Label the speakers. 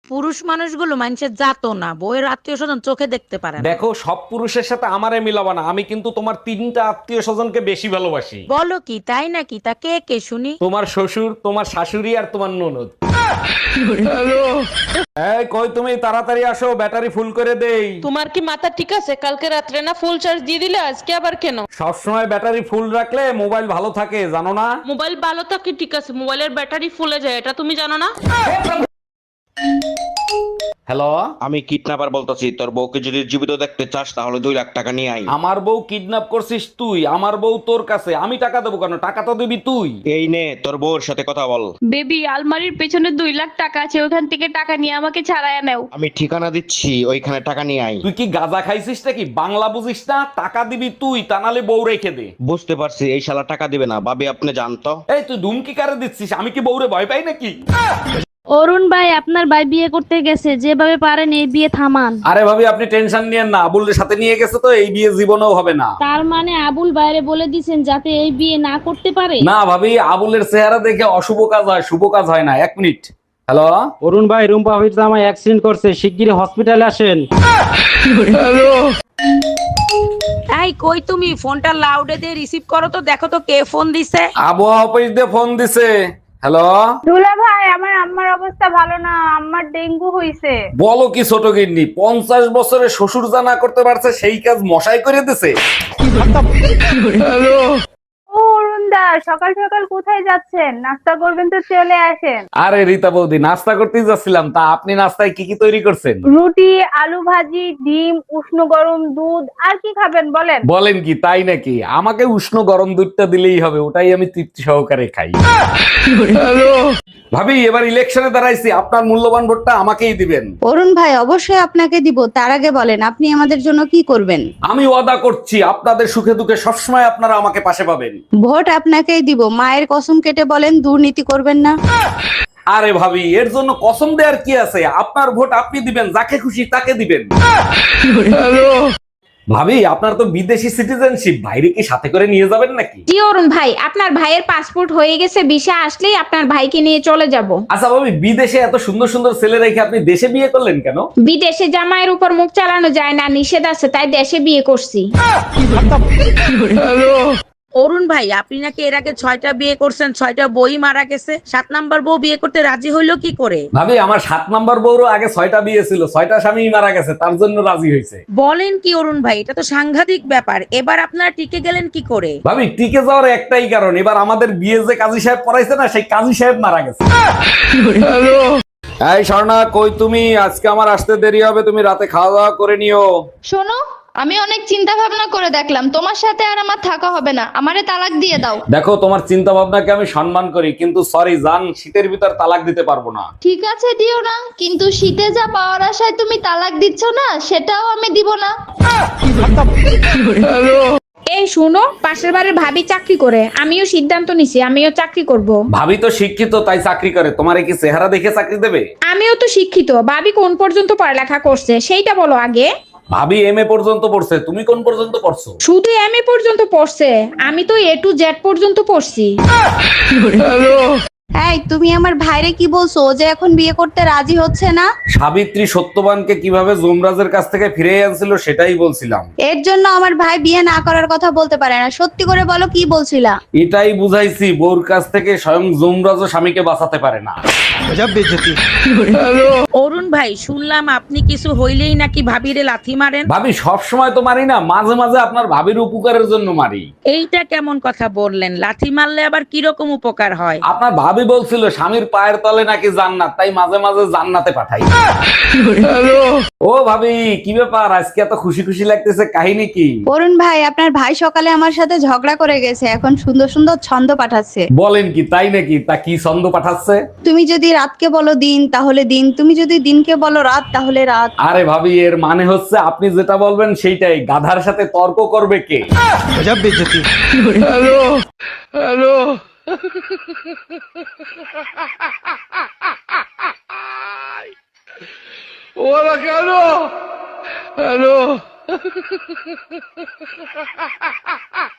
Speaker 1: পুরুষ মানুষগুলো মানুষের জাতো না, বউয়ের আত্মীয় স্বজন চোখে দেখতে পারে না।
Speaker 2: দেখো, সব পুরুষের সাথে আমারে মিলাবা না। আমি কিন্তু তোমার তিনটা আত্মীয় স্বজনকে বেশি ভালোবাসি।
Speaker 1: বলো কি, তাই নাকি? তা কে কে শুনি।
Speaker 2: তোমার শ্বশুর, তোমার শাশুড়ি আর তোমার ননদ। এই কই তুমি, তাড়াতাড়ি আসো, ব্যাটারি ফুল করে দেই।
Speaker 3: তোমার কি মাথা ঠিক আছে? কালকে রাত্রে না ফুল চার্জ দিয়ে দিলে, আজকে আবার কেন?
Speaker 2: সবসময় ব্যাটারি ফুল রাখলে মোবাইল ভালো থাকে, জানো না?
Speaker 3: মোবাইল ভালো থাকে ঠিক আছে, মোবাইলের ব্যাটারি ফুলে যায়, এটা তুমি জানো না?
Speaker 2: হ্যালো,
Speaker 4: আমি কিডন্যাপার বলতেছি। তোর বউকে যদি জীবিত দেখতে চাস তাহলে 2 লাখ টাকা নিয়ে আই।
Speaker 2: আমার বউ কিডন্যাপ করছিস তুই? আমার বউ তোর কাছে, আমি টাকা দেবো কেন? টাকা তো দিবি তুই।
Speaker 4: এই নে তোর বউর সাথে কথা বল।
Speaker 5: বেবি, আলমারির পেছনে 2 লাখ টাকা আছে, ওখান থেকে টাকা নিয়ে আমাকে ছাড়াইয়া নাও।
Speaker 4: আমি ঠিকানা দিচ্ছি, ওইখানে টাকা নিয়ে আই।
Speaker 2: তুই কি গাঁজা খাইছিস নাকি? বাংলা বুঝিস না? টাকা দিবি তুই, তা নাহলে বউ রেখে দে।
Speaker 4: বুঝতে পারছি, এই শালা টাকা দিবে না। ভাবি আপনি জানতো।
Speaker 2: এই তুই ধুমকি কারে দিচ্ছিস? আমি কি বউরে ভয় পাই নাকি?
Speaker 5: অরুণ ভাই, আপনার ভাই বিয়ে করতে গেছে, যেভাবে পারেন এই বিয়ে থামান।
Speaker 2: আরে ভাবি, আপনি টেনশন নিয়েন না, আবুলের সাথে নিয়ে গেছে তো, এই বিয়ে জীবনেও হবে না।
Speaker 5: তার মানে আবুল বাইরে বলে দিছেন যাতে এই বিয়ে না করতে পারে?
Speaker 2: না ভাবি, আবুলের চেহারা দেখে অশুভ কাজ হয়, শুভ কাজ হয় না। 1 মিনিট। হ্যালো,
Speaker 6: অরুণ ভাই, রুম্পা ভাবির জামাই অ্যাক্সিডেন্ট করছে, শিগগিরই হসপিটালে আসেন।
Speaker 1: এই কই তুমি, ফোনটা লাউডে দিয়ে রিসিভ করো তো, দেখো তো কে ফোন দিছে।
Speaker 2: আবহাওয়া অফিস দিয়ে ফোন দিছে। হ্যালো,
Speaker 7: দুলা ভাই, আমার আম্মার অবস্থা ভালো না, আম্মার ডেঙ্গু হইছে।
Speaker 2: বলো কি ছোট গিন্নি, 50 বছরে শ্বশুর যা না করতে পারছে সেই কাজ মশাই করে দিছে।
Speaker 7: ও অরুণ দা, সকাল সকাল কোথায় যাচ্ছেন? নাস্তা করবেন তো চলে আসেন।
Speaker 2: আরে রীতা বৌদি, নাস্তা করতেই যাচ্ছিলাম। তা আপনি নাস্তায় কি কি তৈরি করছেন?
Speaker 7: রুটি, আলু ভাজি, ডিম, উষ্ণ গরম দুধ, আর কি খাবেন বলেন?
Speaker 2: বলেন কি, তাই নাকি? আমাকে উষ্ণ গরম দুধটা দিলেই হবে, ওটাই আমি তৃপ্তি সহকারে খাই। ভাবি, এবার ইলেকশনে দাঁড়াইছি, আপনার মূল্যবান ভোটটা আমাকেই দিবেন।
Speaker 8: অরুণ ভাই, অবশ্যই আপনাকে দিব। তার আগে বলেন, আপনি আমাদের জন্য কি করবেন?
Speaker 2: আমি ওয়াদা করছি, আপনাদের সুখে দুঃখে সবসময় আপনারা আমাকে পাশে পাবেন।
Speaker 8: ভোট আপনাকেই দিব। মায়ের কসম কেটে বলেন, দুর্নীতি করবেন না।
Speaker 2: আরে ভাবি, এর জন্য কসম দেওয়ার কি আছে? আপনার ভোট আপনি দিবেন, যাকে খুশি তাকে দিবেন। ভাবি, আপনার তো বিদেশি সিটিজেনশিপ, বাইরে কি সাথে করে নিয়ে যাবেন নাকি?
Speaker 9: জি অরুণ ভাই, আপনার ভাইয়ের পাসপোর্ট হয়ে গেছে, ভিসা আসলেই আপনার ভাইকে নিয়ে চলে যাব।
Speaker 2: আচ্ছা ভাবি, বিদেশে এত সুন্দর সুন্দর ছেলে রেখে আপনি দেশে বিয়ে করলেন কেন?
Speaker 9: বিদেশে জামাইয়ের উপর মুখ চালানো যায় না, নিষেধ আছে, তাই দেশে বিয়ে করছি।
Speaker 1: অরুণ ভাই, আপনি নাকি এর আগে 6টা বিয়ে করছেন, 6টা বই মারা গেছে, 7 নাম্বার বউ বিয়ে করতে রাজি হইলো কি করে?
Speaker 2: ভাবি, আমার 7 নম্বর বউরও আগে 6টা বিয়ে ছিল, 6টা স্বামী মারা গেছে, তার জন্য রাজি হয়েছে।
Speaker 1: বলেন কি অরুণ ভাই, এটা তো সাংঘাতিক ব্যাপার। এবার আপনারা টিকে গেলেন কি করে?
Speaker 2: ভাবি, টিকে যাওয়ার একটাই কারণ, এবার আমাদের বিয়ে যে কাজী সাহেব পড়াইছে না, সেই কাজী সাহেব মারা গেছে। এই স্বর্ণা, কই তুমি? আজকে আমার আসতে দেরি হবে, তুমি রাতে খাওয়া দাওয়া করে নিও।
Speaker 5: শোনো, আমি অনেক চিন্তা ভাবনা করে দেখলাম, তোমার সাথে আর আমার থাকা হবে না, আমারে তালাক দিয়ে দাও।
Speaker 2: দেখো, তোমার চিন্তা ভাবনাকে আমি সম্মান করি, কিন্তু সরি জান, শীতের ভিতর তালাক দিতে পারবো না।
Speaker 5: ঠিক আছে, দিও না, কিন্তু শীতে যা পাওয়ার আশায় তুমি তালাক দিচ্ছ না, সেটাও আমি দিব না।
Speaker 9: এই শুনো, পাশের বাড়ির ভাবি চাকরি করে, আমিও সিদ্ধান্ত নিছি, আমিও চাকরি করব।
Speaker 2: ভাবি তো শিক্ষিত, তাই চাকরি করে। তোমারে কি চেহারা দেখে চাকরি দেবে?
Speaker 9: আমিও তো শিক্ষিত, ভাবি কোন পর্যন্ত পড়ালেখা করছে সেইটা বলো আগে।
Speaker 2: ভাবি এমএ পর্যন্ত পড়ছে, তুমি কোন পর্যন্ত পড়ছো?
Speaker 9: শুধু এমএ পর্যন্ত পড়ছে, আমি তো এ টু জেড পর্যন্ত পড়ছি।
Speaker 8: এই, তুমি আমার ভাইরে কি বলছো? ও যে এখন বিয়ে করতে রাজি হচ্ছে না।
Speaker 2: সাবিত্রী সত্যবানকে কিভাবে যমরাজের কাছ থেকে ফিরে আনছিল সেটাই বলছিলাম।
Speaker 8: এর জন্য আমার ভাই বিয়ে না করার কথা বলতে পারে না। সত্যি করে বলো, কি বলছিলা?
Speaker 2: এটাই বুঝাইছি, বউর কাছ থেকে স্বয়ং যমরাজও স্বামীকে বাঁচাতে পারে না।
Speaker 1: অরুণ ভাই, শুনলাম আপনি কিছু হইলেই নাকি ভাবিরে লাথি মারেন।
Speaker 2: ভাবি, সব সময় তো মারি না, মাঝে মাঝে আপনার ভাবির উপকারের জন্য মারি।
Speaker 1: এইটা কেমন কথা বললেন? লাথি মারলে আবার কিরকম উপকার হয়?
Speaker 2: আপনার ভাবি বলছিল স্বামীর পায়ের তলে নাকি জান্নাত, তাই মাঝে মাঝে জান্নাতে পাঠাই। ও ভাবি, কি ব্যাপার আজকে এত খুশি খুশি লাগতেছে, কাহিনী কি?
Speaker 8: অরুণ ভাই, আপনার ভাই সকালে আমার সাথে ঝগড়া করে গেছে, এখন সুন্দর সুন্দর ছন্দ পাঠাচ্ছে।
Speaker 2: বলেন কি, তাই নাকি? তা কি ছন্দ পাঠাচ্ছে?
Speaker 8: তুমি যদি রাতকে বলো দিন তাহলে দিন, তুমি যদি দিনকে বলো রাত তাহলে রাত।
Speaker 2: আরে ভাবি, এর মানে হচ্ছে আপনি যেটা বলবেন সেইটাই। গাধার সাথে তর্ক করবে কে? Hello hello. ওরা কেন? হ্যালো।